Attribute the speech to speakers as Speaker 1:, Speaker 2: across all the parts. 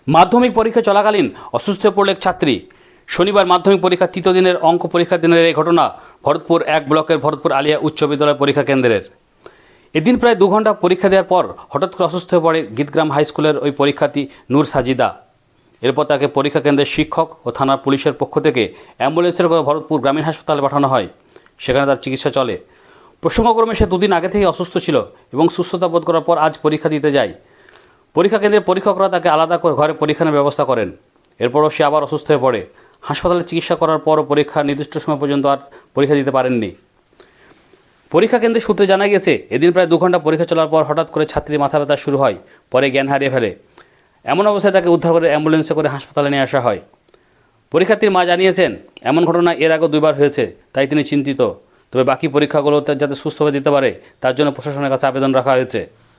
Speaker 1: মাধ্যমিক পরীক্ষা চলাকালীন অসুস্থ হয়ে পড়ল এক ছাত্রী। শনিবার মাধ্যমিক পরীক্ষার তৃতীয় দিনের অঙ্ক পরীক্ষা দিনের এই ঘটনা ভরতপুর 1 ব্লকের ভরতপুর আলিয়া উচ্চ বিদ্যালয় পরীক্ষা কেন্দ্রের। এদিন প্রায় 2 ঘন্টা পরীক্ষা দেওয়ার পর হঠাৎ করে অসুস্থ হয়ে পড়ে গীতগ্রাম হাই স্কুলের ওই পরীক্ষার্থী নূর সাজিদা। এরপর তাকে পরীক্ষা কেন্দ্রের শিক্ষক ও থানার পুলিশের পক্ষ থেকে অ্যাম্বুলেন্সের করে ভরতপুর গ্রামীণ হাসপাতালে পাঠানো হয়। সেখানে তার চিকিৎসা চলে। প্রসঙ্গক্রমে সে 2 দিন আগে থেকে অসুস্থ ছিল এবং সুস্থতা বোধ করার পর আজ পরীক্ষা দিতে যায়। পরীক্ষা কেন্দ্রের পরীক্ষকরা তাকে আলাদা করে ঘরে পরীক্ষার ব্যবস্থা করেন। এরপরও সে আবার অসুস্থ হয়ে পড়ে। হাসপাতালে চিকিৎসা করার পরও পরীক্ষার নির্দিষ্ট সময় পর্যন্ত আর পরীক্ষা দিতে পারেননি। পরীক্ষা কেন্দ্রের সূত্রে জানা গেছে, এদিন প্রায় 2 ঘন্টা পরীক্ষা চলার পর হঠাৎ করে ছাত্রীর মাথা ব্যথা শুরু হয়, পরে জ্ঞান হারিয়ে ফেলে। এমন অবস্থায় তাকে উদ্ধার করে অ্যাম্বুলেন্সে করে হাসপাতালে নিয়ে আসা হয়। পরীক্ষার্থীর মা জানিয়েছেন, এমন ঘটনা এর আগেও 2 বার হয়েছে, তাই তিনি চিন্তিত। তবে বাকি পরীক্ষাগুলো যাতে সুস্থভাবে দিতে পারে তার জন্য প্রশাসনের কাছে আবেদন রাখা হয়েছে।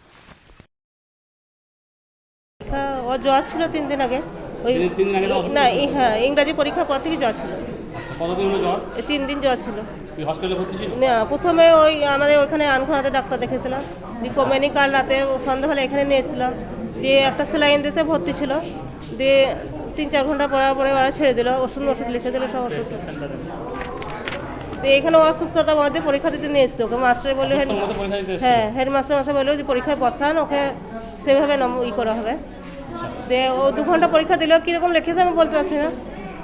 Speaker 2: ওর জ্বর ছিল 3 দিন আগে। ওই না হ্যাঁ, ইংরাজি পরীক্ষার পর থেকে জ্বর ছিল।
Speaker 1: কতদিন হলো জ্বর?
Speaker 2: 3 দিন জ্বর ছিল।
Speaker 1: হসপিটালে ভর্তি ছিল?
Speaker 2: না, প্রথমে ওই আমাদের ওখানে আনখোনাতে ডাক্তার দেখেছিলাম, দিয়ে কমেনি কাল রাতে সন্ধ্যাবেলা এখানে নিয়ে এসেছিলাম, দিয়ে একটা সেলাইন দেশে ভর্তি ছিল, দিয়ে 3-4 ঘন্টা পরে ওরা ছেড়ে দিল, ওষুধ লিখে দিল সব ওষুধ। দিয়ে এখানে অসুস্থতার মধ্যে পরীক্ষা দিতে নিয়ে এসছে ওকে। মাস্টার বললো, হ্যাঁ হেডমাস্টার বললো যে পরীক্ষায় বসান, ওকে সেভাবে করা হবে। দিয়ে ও 2 ঘন্টা পরীক্ষা দিলেও কীরকম লিখেছে আমি বলতে পারছি না।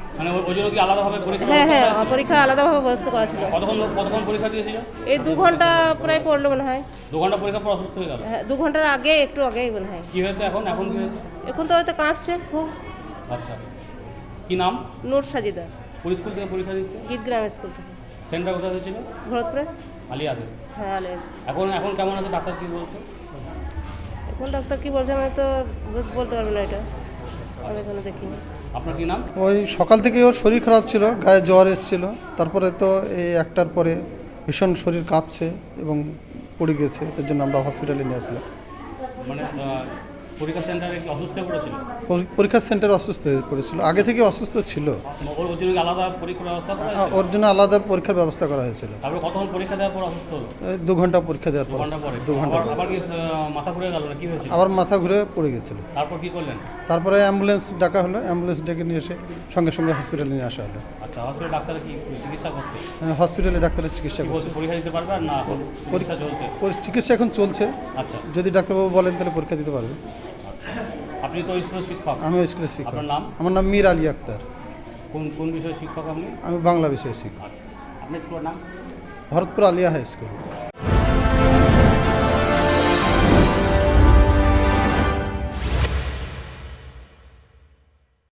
Speaker 2: হ্যাঁ, পরীক্ষা আলাদাভাবে ব্যবস্থা করা ছিল।
Speaker 1: কতক্ষণ পরীক্ষা দিয়েছিল?
Speaker 2: এই 2 ঘন্টা প্রায় পড়লো মনে হয়।
Speaker 1: 2 ঘন্টা পরীক্ষা পর অসুস্থ হয়ে গেল?
Speaker 2: হ্যাঁ, 2 ঘন্টার আগে একটু আগেই মনে হয়।
Speaker 1: কি হয়েছে এখন কি হয়েছে?
Speaker 2: এখন তো হয়তো কাঁপছে খুব।
Speaker 1: আচ্ছা, কি নাম?
Speaker 2: নূর সাজিদা।
Speaker 1: কোন স্কুল থেকে পরীক্ষা দিচ্ছে?
Speaker 2: গীতগ্রাম স্কুল থেকে।
Speaker 1: সেন্টার কোথায় ছিল?
Speaker 2: ভরতপুরে
Speaker 1: আলিয়াতে।
Speaker 2: হ্যাঁ, আলিয়া।
Speaker 1: এখন কেমন আছে? ডাক্তার কি বলছে?
Speaker 2: এখন ডাক্তার কি বলছে আমি তো বলতে পারবো না, এটা আমি এখনো দেখিনি।
Speaker 1: আপনার কি নাম?
Speaker 3: ওই সকাল থেকে ওর শরীর খারাপ ছিল, গায়ে জ্বর এসেছিল, তারপরে তো এই একটার পরে ভীষণ শরীর কাঁপছে এবং পড়ে গেছে, এর জন্য আমরা হসপিটালে নিয়ে আসলাম।
Speaker 1: মানে পরীক্ষা সেন্টারে কি অসুস্থ হয়ে পড়েছিল?
Speaker 3: পরীক্ষা সেন্টারে অসুস্থ হয়ে পড়েছিল, আগে থেকে অসুস্থ ছিল।
Speaker 1: ওর জন্য আলাদা পরীক্ষার ব্যবস্থা করা হয়েছিল?
Speaker 3: ওর জন্য আলাদা পরীক্ষার ব্যবস্থা করা হয়েছিল।
Speaker 1: তারপরে কতক্ষণ পরীক্ষা দেওয়ার পর অসুস্থ হলো?
Speaker 3: 2 ঘন্টা পরীক্ষা দেওয়ার পর। 2 ঘন্টা
Speaker 1: আবার কি মাথা ঘুরে গেল না কি হয়েছিল?
Speaker 3: আবার মাথা ঘুরে পড়ে গেছিল।
Speaker 1: তারপর কি করলেন?
Speaker 3: তারপরে অ্যাম্বুলেন্স ডাকা হলো, অ্যাম্বুলেন্স ডেকে নিয়ে এসে সঙ্গে সঙ্গে হসপিটালে নিয়ে আসা হলো।
Speaker 1: আচ্ছা, হসপিটালে ডাক্তার কি চিকিৎসা করছে?
Speaker 3: হসপিটালে ডাক্তারের চিকিৎসা করছে।
Speaker 1: পরীক্ষা দিতে পারবে আর না পরীক্ষা চলছে?
Speaker 3: চিকিৎসা এখন চলছে।
Speaker 1: আচ্ছা,
Speaker 3: যদি ডাক্তারবাবু বলেন তাহলে পরীক্ষা দিতে পারবে।
Speaker 1: আপনি তো স্কুলের শিক্ষক?
Speaker 3: আমি স্কুলের শিক্ষক।
Speaker 1: আপনার নাম?
Speaker 3: আমার নাম মীর আলী আক্তার।
Speaker 1: কোন বিষয়ে শিক্ষক আপনি?
Speaker 3: আমি বাংলা বিষয়ের শিক্ষক।
Speaker 1: আচ্ছা, আপনার স্কুলের নাম?
Speaker 3: Bharatpur Alia high school.